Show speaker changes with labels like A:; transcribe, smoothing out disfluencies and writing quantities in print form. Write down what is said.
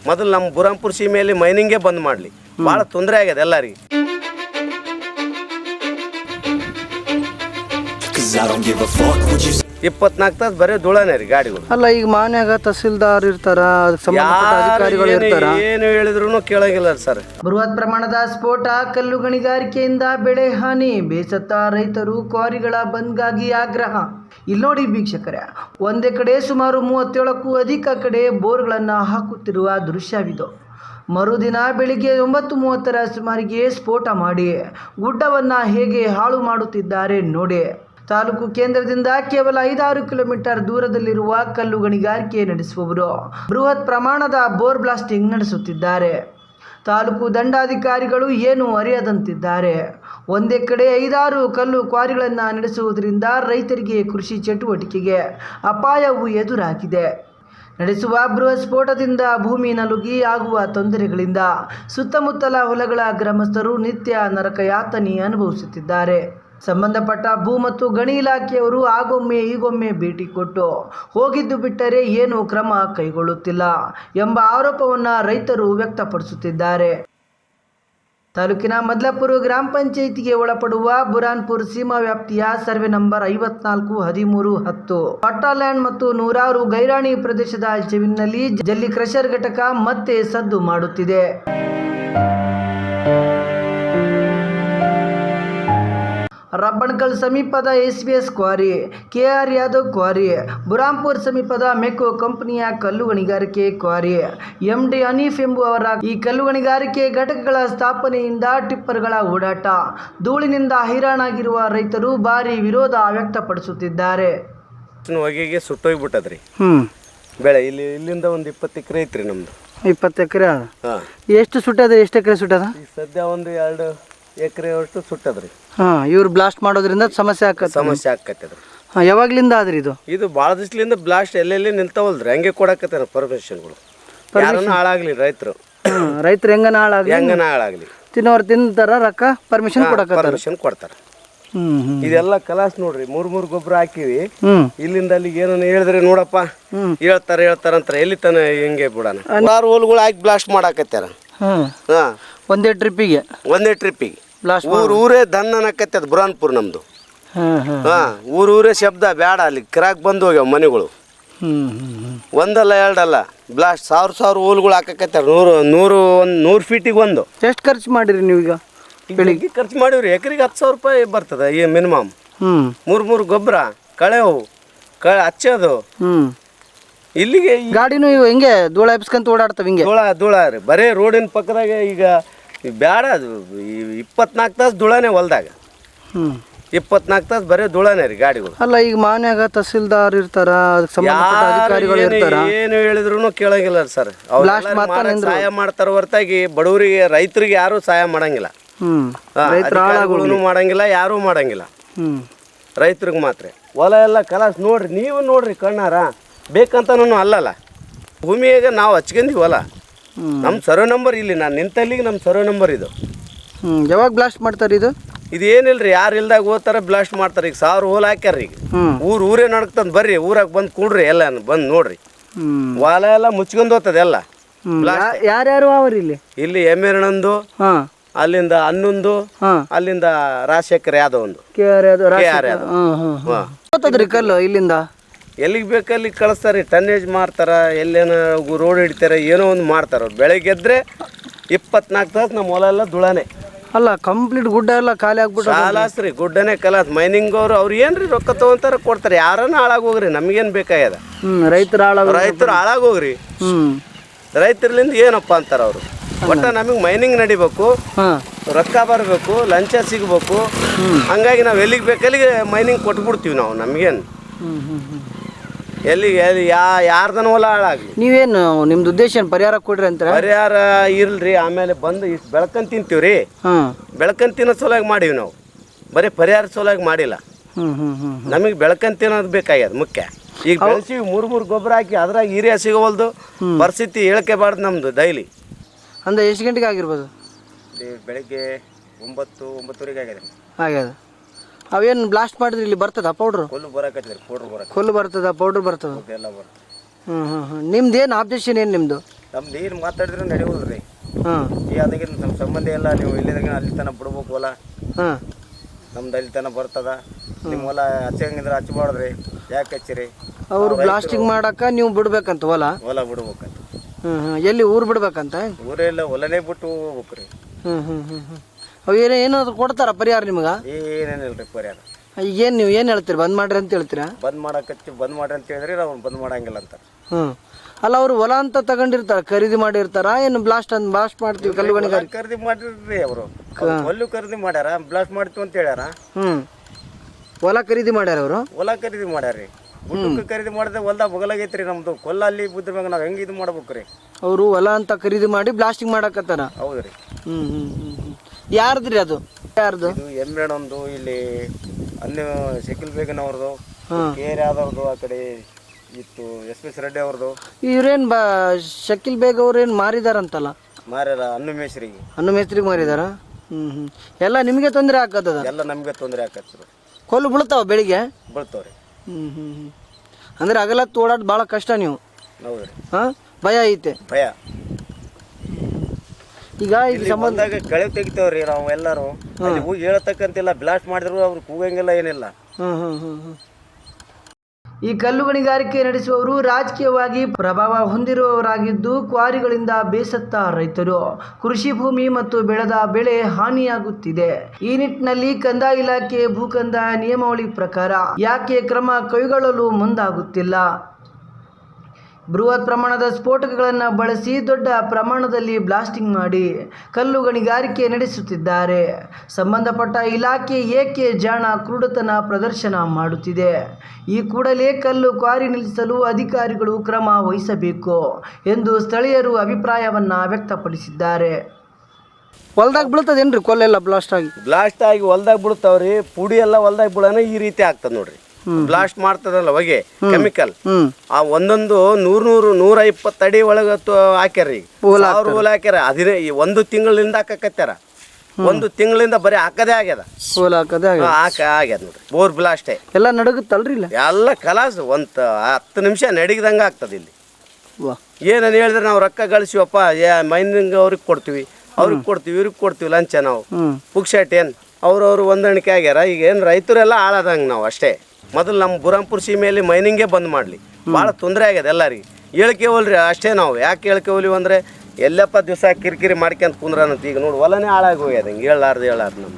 A: ಮೊದಲು ನಮ್ಮ ಬುರಾಂಪುರ ಸೀಮೆಯಲ್ಲಿ ಮೈನಿಂಗೇ ಬಂದ್ ಮಾಡಲಿ. ಭಾಳ ತೊಂದರೆ ಆಗ್ಯದ ಎಲ್ಲರಿಗೆ. ಇಪ್ಪತ್ನಾಲ್ಕು ತಾಸು ಬರೀ ಧೂಳನೇ ರೀ ಗಾಡಿಗಳು.
B: ಅಲ್ಲ ಈಗ ಮಾನ್ಯಾಗ ತಹಸೀಲ್ದಾರ್ ಇರ್ತಾರ, ಅದಕ್ಕೆ ಸಂಬಂಧಪಟ್ಟ ಅಧಿಕಾರಿಗಳು ಇರ್ತಾರ,
A: ಏನು ಹೇಳಿದ್ರು ಕೇಳಂಗಿಲ್ಲ ಸರ್.
B: ಬೃಹತ್ ಪ್ರಮಾಣದ ಸ್ಫೋಟ, ಕಲ್ಲು ಗಣಿಗಾರಿಕೆಯಿಂದ ಬೆಳೆ ಹಾನಿ, ಬೇಸತ್ತ ರೈತರು, ಕ್ವಾರಿಗಳ ಬಂದ್ಗಾಗಿ ಆಗ್ರಹ. ಇಲ್ಲಿ ನೋಡಿ ವೀಕ್ಷಕರೇ, ಒಂದೇ ಕಡೆ ಸುಮಾರು 37ಕ್ಕೂ ಅಧಿಕ ಕಡೆ ಬೋರ್ಗಳನ್ನು ಹಾಕುತ್ತಿರುವ ದೃಶ್ಯವಿದು. ಮರುದಿನ ಬೆಳಿಗ್ಗೆ 9:30ರ ಸುಮಾರಿಗೆ ಸ್ಫೋಟ ಮಾಡಿ ಗುಡ್ಡವನ್ನು ಹೇಗೆ ಹಾಳು ಮಾಡುತ್ತಿದ್ದಾರೆ ನೋಡಿ. ತಾಲೂಕು ಕೇಂದ್ರದಿಂದ ಕೇವಲ 5-6 ಕಿಲೋಮೀಟರ್ ದೂರದಲ್ಲಿರುವ ಕಲ್ಲು ಗಣಿಗಾರಿಕೆ ನಡೆಸುವವರು ಬೃಹತ್ ಪ್ರಮಾಣದ ಬೋರ್ ಬ್ಲಾಸ್ಟಿಂಗ್ ನಡೆಸುತ್ತಿದ್ದಾರೆ. ತಾಲೂಕು ದಂಡಾಧಿಕಾರಿಗಳು ಏನು ಅರಿಯದಂತಿದ್ದಾರೆ. ಒಂದೇ ಕಡೆ 5-6 ಕಲ್ಲು ಕ್ವಾರಿಗಳನ್ನು ನಡೆಸುವುದರಿಂದ ರೈತರಿಗೆ ಕೃಷಿ ಚಟುವಟಿಕೆಗೆ ಅಪಾಯವು ಎದುರಾಗಿದೆ. ನಡೆಸುವ ಬೃಹತ್ ಸ್ಫೋಟದಿಂದ ಭೂಮಿ ನಲುಗಿ ಆಗುವ ತೊಂದರೆಗಳಿಂದ ಸುತ್ತಮುತ್ತಲ ಹೊಲಗಳ ಗ್ರಾಮಸ್ಥರು ನಿತ್ಯ ನರಕಯಾತನೆ ಅನುಭವಿಸುತ್ತಿದ್ದಾರೆ. ಸಂಬಂಧಪಟ್ಟ ಭೂ ಮತ್ತು ಗಣಿ ಇಲಾಖೆಯವರು ಆಗೊಮ್ಮೆ ಈಗೊಮ್ಮೆ ಭೇಟಿ ಕೊಟ್ಟು ಹೋಗಿದ್ದು ಬಿಟ್ಟರೆ ಏನು ಕ್ರಮ ಕೈಗೊಳ್ಳುತ್ತಿಲ್ಲ ಎಂಬ ಆರೋಪವನ್ನು ರೈತರು ವ್ಯಕ್ತಪಡಿಸುತ್ತಿದ್ದಾರೆ. ತಾಲೂಕಿನ ಮದ್ಲಾಪುರ ಗ್ರಾಮ ಪಂಚಾಯಿತಿಗೆ ಒಳಪಡುವ ಬುರಾನ್ಪುರ್ ಸೀಮಾ ವ್ಯಾಪ್ತಿಯ ಸರ್ವೆ ನಂಬರ್ 54, 13, 10 ಪಟ್ಟಾಲ್ಯಾಂಡ್ ಮತ್ತು ನೂರಾರು ಗೈರಾಣಿ ಪ್ರದೇಶದ ಜಮೀನಿನಲ್ಲಿ ಜಲ್ಲಿ ಕ್ರಷರ್ ಘಟಕ ಮತ್ತೆ ಸದ್ದು ಮಾಡುತ್ತಿದೆ. ರಬ್ಬಣಕಲ್ ಸಮೀಪದ SBS quarry, KR Yadav quarry, Burampur ಸಮೀಪದ ಮೆಕೋ ಕಂಪನಿಯ ಕಲ್ಲು ಗಣಿಗಾರಿಕೆ ಕ್ವಾರಿ, MD ಹನೀಫ್ ಎಂಬುವರ ಈ ಕಲ್ಲು ಗಣಿಗಾರಿಕೆ ಘಟಕಗಳ ಸ್ಥಾಪನೆಯಿಂದ ಟಿಪ್ಪರ್ಗಳ ಓಡಾಟ, ಧೂಳಿನಿಂದ ಹೈರಾಣಾಗಿರುವ ರೈತರು ಭಾರಿ ವಿರೋಧ ವ್ಯಕ್ತಪಡಿಸುತ್ತಿದ್ದಾರೆ.
A: ಹೊಗೆಗೆ ಸುಟ್ಟೋಗ್ಬಿಟ್ಟದ್ರಿ ಬೆಳೆ. ಇಲ್ಲಿಂದ ಒಂದು 20 ಎಕರೆ ಐತ್ರಿ ನಮ್ದು.
B: 20 ಎಕರೆ. ಎಷ್ಟು ಸುಟ್ಟದ? ಎಷ್ಟು ಎಕರೆ ಸುಟ್ಟದ?
A: ಸದ್ಯ ಒಂದು 2 ಎಕರೆ ಅಷ್ಟು ಸುಟ್ಟದ್ರಿ.
B: ಇವ್ರು ಬ್ಲಾಸ್ಟ್ ಮಾಡೋದ್ರಿಂದ ಸಮಸ್ಯೆ
A: ಆಕತ್ತದ್ರಿ.
B: ಯಾವಾಗ್ಲಿಂದ ಆದ್ರಿ ಇದು?
A: ಇದು ಭಾಳ ದಿವ್ಸಲಿಂದ ಬ್ಲಾಸ್ಟ್ ಎಲ್ಲೆಲ್ಲಿ ನಿಲ್ತಾವಲ್ರಿ. ಹಂಗೆ ಕೊಡಕತ್ತಾರ ಪರ್ಮಿಷನ್ಗಳು. ಯಾರನ್ನ ಹಾಳಾಗ್ಲಿ ರೈತರು
B: ಹೆಂಗನ
A: ಹಾಳಾಗ್ಲಿ
B: ತಿನ್ನೋರು ತಿಂತಾರ, ರೊಕ್ಕ ಪರ್ಮಿಷನ್
A: ಕೊಡ್ತಾರ. ಇದೆಲ್ಲ ಕಲಾಸ್ ನೋಡ್ರಿ. 3 ಗೊಬ್ಬರ ಹಾಕಿವಿ. ಇಲ್ಲಿಂದ ಅಲ್ಲಿಗೆ ಏನನ್ನ ಹೇಳಿದ್ರೆ ನೋಡಪ್ಪ ಹೇಳ್ತಾರಂತ ಎಲ್ಲಿ ತನ ಹಿಂಗೆ ಬಿಡೋಣ. 6 ಹೋಲ್ಗಳು ಹಾಕಿ ಬ್ಲಾಸ್ಟ್ ಮಾಡಾಕತ್ತಾರ.
B: ಒಂದೇ ಟ್ರಿಪ್ಪಿಗೆ ಬ್ಲಾಸ್ಟ್.
A: ಊರೇ ದನ್ನ ಅನ್ನಕತ್ತದ ಬುರಾನ್ಪುರ್ ನಮ್ದು. ಊರೇ ಶಬ್ದ ಬೇಡ. ಅಲ್ಲಿ ಕಿರಾಕ್ ಬಂದು ಹೋಗ್ಯಾವ ಮನೆಗಳು. ಒಂದಲ್ಲ ಎರಡಲ್ಲ ಬ್ಲಾಸ್ಟ್. 1000 ಹೋಲ್ಗಳು ಹಾಕಕತ್ತಾರ. 100 ಫೀಟಿಗೆ ಒಂದು.
B: ಎಷ್ಟು ಖರ್ಚು ಮಾಡಿರಿ ನೀವೀಗ?
A: ಬೆಳಿಗ್ಗೆ ಖರ್ಚು ಮಾಡಿವ್ರಿ. ಎಕರೆಗೆ 10,000 ರೂಪಾಯಿ ಬರ್ತದ ಈ ಮಿನಿಮಮ್. 3 ಗೊಬ್ಬರ, ಕಳೆವು ಹಚ್ಚೋದು. ಇಲ್ಲಿಗೆ
B: ಗಾಡಿನೂ ಹೆಂಗೆ ಧೂಳ ಎಬ್ಸ್ಕೊಂತ ಓಡಾಡ್ತಾವ. ಹಿಂಗೆ
A: ಧೂಳ ರೀ. ಬರೇ ರೋಡಿನ ಪಕ್ಕದಾಗ ಈಗ ಬೇಡ. ಅದು 24 ತಾಸು ಧೂಳನೇ ಹೊಲ್ದಾಗ. 24 ತಾಸು ಬರೇ ಧೂಳನೇ ರೀ ಗಾಡಿಗಳು.
B: ಅಲ್ಲ ಈಗ ಮಾನ್ಯಾಗ ತಹಸೀಲ್ದಾರ್ ಇರ್ತಾರ, ಅದಕ್ಕೆ ಸಂಬಂಧಪಟ್ಟ ಅಧಿಕಾರಿಗಳು ಇರ್ತಾರ,
A: ಏನು ಹೇಳಿದ್ರು ಕೇಳಂಗಿಲ್ಲ ಸರ್. ಸಹಾಯ ಮಾಡ್ತಾರ ಹೊರತಾಗಿ ಬಡವರಿಗೆ ರೈತರಿಗೆ ಯಾರು ಸಹಾಯ ಮಾಡಂಗಿಲ್ಲ. ಅಧಿಕಾರಿಗಳು ಮಾಡಂಗಿಲ್ಲ, ಯಾರು ಮಾಡಂಗಿಲ್ಲ. ರೈತರಿಗೆ ಮಾತ್ರ ಹೊಲ ಎಲ್ಲ ಕಲಾಸ್ ನೋಡ್ರಿ. ನೀವು ನೋಡ್ರಿ ಕಣ್ಣಾರ. ಬೇಕಂತ ಅಲ್ಲಲ್ಲ, ಭೂಮಿಯಾಗ ನಾವು ಹಚ್ಕೊಂಡಿವಿ ಹೊಲ. ನಮ್ಮ ಸರ್ವೆ ನಂಬರ್ ಇಲ್ಲಿ ನಾನು ನಿಂತಲ್ಲಿಗೆ ನಮ್ಮ ಸರ್ವೆ ನಂಬರ್ ಇದು.
B: ಯಾವಾಗ ಬ್ಲಾಸ್ಟ್ ಮಾಡ್ತಾರೆ ಇದು?
A: ಇದೇನಿಲ್ರಿ, ಯಾರು ಇಲ್ದಾಗ ಹೋಗ್ತಾರೆ ಬ್ಲಾಸ್ಟ್ ಮಾಡ್ತಾರೆ. ಈಗ 1000 ಹೋಲ್ ಹಾಕ್ಯಾರ. ಈಗ ಊರೇ ನಡ್ಕಂತ ಬರ್ರಿ, ಊರಾಗ ಬಂದು ಕೂಡ್ರಿ, ಎಲ್ಲ ಬಂದು ನೋಡ್ರಿ. ಹೊಲ ಎಲ್ಲ ಮುಚ್ಕೊಂಡು ಹೋಗ್ತದೆ ಎಲ್ಲ.
B: ಯಾರ್ಯಾರು ಅವ್ರಿ
A: ಇಲ್ಲಿ ಎಮ್ಮೆರಣಂದು, ಅಲ್ಲಿಂದ 11, ಅಲ್ಲಿಂದ ರಾಜಶೇಖರ್ ಯಾದವ್ ಒಂದು,
B: ಕಲ್ಲು ಇಲ್ಲಿಂದ
A: ಎಲ್ಲಿಗೆ ಬೇಕಲ್ಲಿ ಕಳಿಸ್ತಾರೆ. ಟನ್ನೇಜ್ ಮಾರ್ತಾರ, ಎಲ್ಲೇನ ರೋಡ್ ಹಿಡಿತಾರೆ, ಏನೋ ಒಂದು ಮಾಡ್ತಾರ. ಬೆಳಗ್ಗೆ ಎದ್ರೆ 24 ತಾಸು ನಮ್ಮ ಹೊಲ ಎಲ್ಲ ಧೂಳನೆ.
B: ಅಲ್ಲ ಕಂಪ್ಲೀಟ್ ಗುಡ್ಡ ಎಲ್ಲ ಖಾಲಿ ಆಗ್ಬಿಟ್ಟು
A: ಕಾಲಾಸ್ರಿ. ಗುಡ್ಡನೇ ಕಲಾಸ್. ಮೈನಿಂಗ್ ಅವ್ರು ಏನ್ರಿ ರೊಕ್ಕ ತಗೊಂತಾರ ಕೊಡ್ತಾರೆ. ಯಾರನ್ನ ಹಾಳಾಗೋಗ್ರಿ, ನಮ್ಗೇನು ಬೇಕಾಗ್ಯದ.
B: ರೈತರು
A: ಹಾಳಾಗೋಗ್ರಿ. ರೈತರ್ಲಿಂದ ಏನಪ್ಪ ಅಂತಾರ ಅವರು. ಒಟ್ಟ ನಮಗೆ ಮೈನಿಂಗ್ ನಡಿಬೇಕು, ರೊಕ್ಕ ಬರಬೇಕು, ಲಂಚ ಸಿಗಬೇಕು. ಹಂಗಾಗಿ ನಾವು ಎಲ್ಲಿಗೆ ಬೇಕಲ್ಲಿಗೆ ಮೈನಿಂಗ್ ಕೊಟ್ಬಿಡ್ತೀವಿ ನಾವು. ನಮಗೇನು ಎಲ್ಲಿಗೆ ಯಾರ್ದನ ಹೊಲ ಹಾಳಾಗಲಿ.
B: ನೀವೇನು ನಿಮ್ದು ಉದ್ದೇಶ ಪರಿಹಾರ ಕೊಡ್ರಿ ಅಂತ?
A: ಪರಿಹಾರ ಇಲ್ರಿ. ಆಮೇಲೆ ಬಂದು ಇಷ್ಟು ಬೆಳ್ಕೊಂಡ್ ತಿಂತೀವ್ರಿ. ಬೆಳ್ಕೊಂಡ್ ತಿನ್ನೋ ಸಲುವಾಗಿ ಮಾಡೀವಿ ನಾವು. ಬರೀ ಪರಿಹಾರ ಸಲುವಾಗಿ ಮಾಡಿಲ್ಲ. ನಮಗೆ ಬೆಳ್ಕೊಂಡ್ ತಿನ್ನೋದು ಬೇಕಾಗ್ಯದ ಮುಖ್ಯ. ಈಗ ಬೆಳೆಸಿವಿ 3 ಗೊಬ್ಬರ ಹಾಕಿ, ಅದ್ರಾಗ ಹೀರಿಯ ಸಿಗೋವಲ್ದು. ಪರಿಸ್ಥಿತಿ ಹೇಳ್ಕೆಬಾರ್ದು ನಮ್ದು ಡೈಲಿ.
B: ಅಂದ್ರೆ ಎಷ್ಟು ಗಂಟೆಗೆ ಆಗಿರ್ಬೋದು?
A: ಬೆಳಗ್ಗೆ 9-9:30
B: ಆಗ್ಯದ. ಅವೇನು ಬ್ಲಾಸ್ಟ್ ಮಾಡಿದ್ರಿ ಇಲ್ಲಿ ಬರ್ತದ ಪೌಡ್ರು?
A: ಕೊಲ್ಲು
B: ಬರ್ತದ, ಪೌಡ್ರ್ ಬರ್ತದ. ನಿಮ್ದು ಏನು ಆಬ್ಜೆಕ್ಷನ್? ಏನು ನಿಮ್ಮದು?
A: ನಮ್ದು ಏನು ಮಾತಾಡಿದ್ರೆ ನಡೆಯೋದ್ರಿ.
B: ಹಾಂ
A: ಈ ಅದಕ್ಕೆ ನಮ್ಮ ಸಂಬಂಧ ಎಲ್ಲ, ನೀವು ಇಲ್ಲಿದಾಗ ಅಲ್ಲಿ ತನಕ ಬಿಡ್ಬೇಕು ಹೊಲ,
B: ಹಾಂ
A: ನಮ್ದು ಅಲ್ಲಿ ತನಕ ಬರ್ತದ. ನಿಮ್ಮ ಹೊಲ ಹಚ್ಚಂಗಿದ್ರೆ ಹಚ್ಬಾರ್ದ್ರಿ, ಯಾಕೆ ಹಚ್ಚಿರಿ?
B: ಅವರು ಬ್ಲಾಸ್ಟಿಂಗ್ ಮಾಡಕ್ಕ ನೀವು ಬಿಡ್ಬೇಕಂತ ಹೊಲ
A: ಬಿಡ್ಬೇಕಂತ.
B: ಎಲ್ಲಿ ಊರು ಬಿಡ್ಬೇಕಂತ?
A: ಊರೆಲ್ಲ ಹೊಲನೇ ಬಿಟ್ಟು ಹೋಗ್ಬೇಕ್ರಿ.
B: ಅವು ಏನಾದ್ರು ಕೊಡ್ತಾರ ಪರಿಹಾರ ನಿಮ್ಗೆ?
A: ಏನೇನಿಲ್ರಿ ಪರಿಹಾರ.
B: ಈಗೇನು ನೀವು ಏನು ಹೇಳ್ತೀರಿ, ಬಂದ್ ಮಾಡ್ರಿ ಅಂತ ಹೇಳ್ತೀರಾ?
A: ಬಂದ್ ಮಾಡ್ರಿ ಅಂತ ಹೇಳಿದ್ರಿ, ನಾವು ಬಂದ್ ಮಾಡಂಗಿಲ್ಲ ಅಂತ.
B: ಅಲ್ಲ, ಅವರು ಹೊಲ ಅಂತ ತಗೊಂಡಿರ್ತಾರ, ಖರೀದಿ ಮಾಡಿರ್ತಾರ, ಏನು ಬ್ಲಾಸ್ಟ್ ಮಾಡ್ತೀವಿ ಕಲ್ಲು ಗಣಿಗಾರಿಕೆ
A: ಖರೀದಿ ಮಾಡಿರ್ರಿ. ಅವರು ಹೊಲ್ಲು ಖರೀದಿ ಮಾಡ್ಯಾರ, ಬ್ಲಾಸ್ಟ್ ಮಾಡ್ತೀವಿ ಅಂತ ಹೇಳ್ಯಾರ.
B: ಹೊಲ ಖರೀದಿ ಮಾಡ್ಯಾರ ಅವರು?
A: ಹೊಲ ಖರೀದಿ ಮಾಡ್ಯಾರ್ರಿ. ಗುಡ್ಡಕ್ಕೆ ಖರೀದಿ ಮಾಡಿದ್ರೆ ಹೊಲ್ದಾಗ ಬಗಲಾಗೈತ್ರಿ ನಮ್ದು. ಕೊಲ್ಲ ಅಲ್ಲಿ ಬಿದ್ದಿರ್ಬೇಕು, ನಾವು ಹೆಂಗೆ ಇದು ಮಾಡ್ಬೇಕ್ರಿ? ಅವರು
B: ಹೊಲ ಅಂತ ಖರೀದಿ ಮಾಡಿ ಬ್ಲಾಸ್ಟಿಂಗ್ ಮಾಡಕತ್ತಾರ.
A: ಹೌದ್ರಿ.
B: ಯಾರ್ದ್ರಿ ಅದು? ಯಾರ್ದು?
A: ಇದು ಎಮ್ಮೆಣೊಂದು ಇಲ್ಲಿ ಅನ್ನು ಶಕಿಲ್ ಬೇಗನವ್ರದ್ದು, ಕೇರ್ ಆದವ್ರದ್ದು, ಆ ಕಡೆ ಇತ್ತು SP ರೆಡ್ಡಿ ಅವ್ರದ್ದು.
B: ಇವ್ರೇನ್ ಶಕಿಲ್ ಬೇಗ್ ಅವ್ರೇನ್ ಮಾರಿದಾರಂತಲ್ಲ?
A: ಮಾರ್ಯಾರ, ಅನ್ನು ಮೇಸ್ರಿಗೆ
B: ಮಾರಿದಾರ. ಎಲ್ಲ ನಿಮಗೆ ತೊಂದರೆ ಆಕತ್ತದ?
A: ಎಲ್ಲ ನಮ್ಗೆ ತೊಂದರೆ ಆಕತ್ತ.
B: ಕೊಲ್ಲು ಬೀಳ್ತಾವ ಬೆಳಿಗ್ಗೆ?
A: ಬೀಳ್ತಾವ್ರಿ.
B: ಅಂದ್ರೆ ಹಗಲತ್ತು ಓಡಾಡ್ ಭಾಳ ಕಷ್ಟ ನೀವು?
A: ಹೌದ್ರಿ.
B: ಭಯ ಐತೆ?
A: ಭಯ.
B: ಈಗ ಇದು ಸಂಬಂಧದಾಗ
A: ಕಳೆ ತೆಗಿತೇವ್ರಿ ನಾವು ಎಲ್ಲರೂ. ಅಲ್ಲಿ ಹೋಗಿ ಹೇಳತಕ್ಕಂತಿಲ್ಲ, ಬ್ಲಾಸ್ಟ್ ಮಾಡಿದ್ರು ಅವ್ರು ಕೂಗಂಗಿಲ್ಲ, ಏನಿಲ್ಲ.
B: ಈ ಕಲ್ಲು ಗಣಿಗಾರಿಕೆ ನಡೆಸುವವರು ರಾಜಕೀಯವಾಗಿ ಪ್ರಭಾವ ಹೊಂದಿರುವವರಾಗಿದ್ದು, ಕ್ವಾರಿಗಳಿಂದ ಬೇಸತ್ತ ರೈತರು ಕೃಷಿ ಭೂಮಿ ಮತ್ತು ಬೆಳೆದ ಬೆಳೆ ಹಾನಿಯಾಗುತ್ತಿದೆ. ಈ ನಿಟ್ಟಿನಲ್ಲಿ ಕಂದಾಯ ಇಲಾಖೆ ಭೂಕಂದಾಯ ನಿಯಮಾವಳಿ ಪ್ರಕಾರ ಯಾಕೆ ಕ್ರಮ ಕೈಗೊಳ್ಳಲು ಮುಂದಾಗುತ್ತಿಲ್ಲ? ಬೃಹತ್ ಪ್ರಮಾಣದ ಸ್ಫೋಟಕಗಳನ್ನು ಬಳಸಿ ದೊಡ್ಡ ಪ್ರಮಾಣದಲ್ಲಿ ಬ್ಲಾಸ್ಟಿಂಗ್ ಮಾಡಿ ಕಲ್ಲು ಗಣಿಗಾರಿಕೆ ನಡೆಸುತ್ತಿದ್ದಾರೆ. ಸಂಬಂಧಪಟ್ಟ ಇಲಾಖೆ ಏಕೆ ಜಾಣ ಕ್ರೂರತನ ಪ್ರದರ್ಶನ ಮಾಡುತ್ತಿದೆ? ಈ ಕೂಡಲೇ ಕಲ್ಲು ಕ್ವಾರಿ ನಿಲ್ಲಿಸಲು ಅಧಿಕಾರಿಗಳು ಕ್ರಮ ವಹಿಸಬೇಕು ಎಂದು ಸ್ಥಳೀಯರು ಅಭಿಪ್ರಾಯವನ್ನು ವ್ಯಕ್ತಪಡಿಸಿದ್ದಾರೆ. ಹೊಲ್ದಾಗ ಬೀಳ್ತದೇನ್ರಿ ಕೊಲ್ಲೆಲ್ಲ ಬ್ಲಾಸ್ಟ್ ಆಗಿ
A: ಹೊಲ್ದಾಗ ಬಿಡ್ತಾವ್ರಿ. ಪುಡಿ ಎಲ್ಲ ಹೊಲ್ದಾಗ ಬೀಳೋಣ ಈ ರೀತಿ ಆಗ್ತದ ನೋಡ್ರಿ. ಬ್ಲಾಸ್ಟ್ ಮಾಡ್ತದಲ್ಲ ಹೊಗೆ, ಕೆಮಿಕಲ್, ಆ ಒಂದೊಂದು 100-120 ಅಡಿ ಒಳಗ ಹಾಕ್ಯಾರ. ಅವ್ರ ಹೂಲ ಹಾಕ್ಯಾರ. ಅದೇ ಒಂದು ತಿಂಗಳಿಂದ ಹಾಕಕತ್ಯಾರ. ಒಂದು ತಿಂಗಳಿಂದ ಬರೀ ಹಾಕದೇ ಆಗ್ಯದ. ಆಗ್ಯದ ನೋಡ್ರಿ. ಬೋರ್ ಬ್ಲಾಸ್ಟೇ
B: ಎಲ್ಲ ನಡಗುತ್ತಲ್ರಿ. ಇಲ್ಲ
A: ಎಲ್ಲ ಕಲಾಸ್ 10 ನಿಮಿಷ ನಡಗಿದಂಗ ಆಗ್ತದ. ಇಲ್ಲಿ ಏನನ್ ಹೇಳಿದ್ರೆ ನಾವು ರೊಕ್ಕ ಗಳಿಸಿವಪ್ಪ, ಮೈನಿಂಗ್ ಅವ್ರಿಗೆ ಕೊಡ್ತೀವಿ, ಇವ್ರಿಗೆ ಕೊಡ್ತೀವಿ ಲಂಚ. ನಾವು ಪುಕ್ಷಟ್ ಏನ್ ಅವ್ರವ್ರು ಹೊಂದಾಣಿಕೆ ಆಗ್ಯಾರ. ಈಗ ಏನು ರೈತರೆಲ್ಲ ಹಾಳಾದಂಗೆ ನಾವು ಅಷ್ಟೇ. ಮೊದಲು ನಮ್ಮ ಬುರಾಂಪುರ ಸೀಮೆಯಲ್ಲಿ ಮೈನಿಂಗೇ ಬಂದ್ ಮಾಡಲಿ. ಭಾಳ ತೊಂದರೆ ಆಗ್ಯದ ಎಲ್ಲರಿಗೆ. ಹೇಳ್ಕೇವಲ್ರಿ ಅಷ್ಟೇ ನಾವು. ಯಾಕೆ ಹೇಳ್ಕೇವಲಿವಿ ಅಂದರೆ ಎಲ್ಲಪ್ಪ ದಿವಸ ಕಿರಿಕಿರಿ ಮಾಡ್ಕೊಂತ ಕುಂದ್ರನಂತ. ಈಗ ನೋಡಿ ಹೊಲನೇ ಹಾಳಾಗಿ ಹೋಗ್ಯದ. ಹಿಂಗೆ ಹೇಳಾರ್ದು ನಮ್ಗೆ.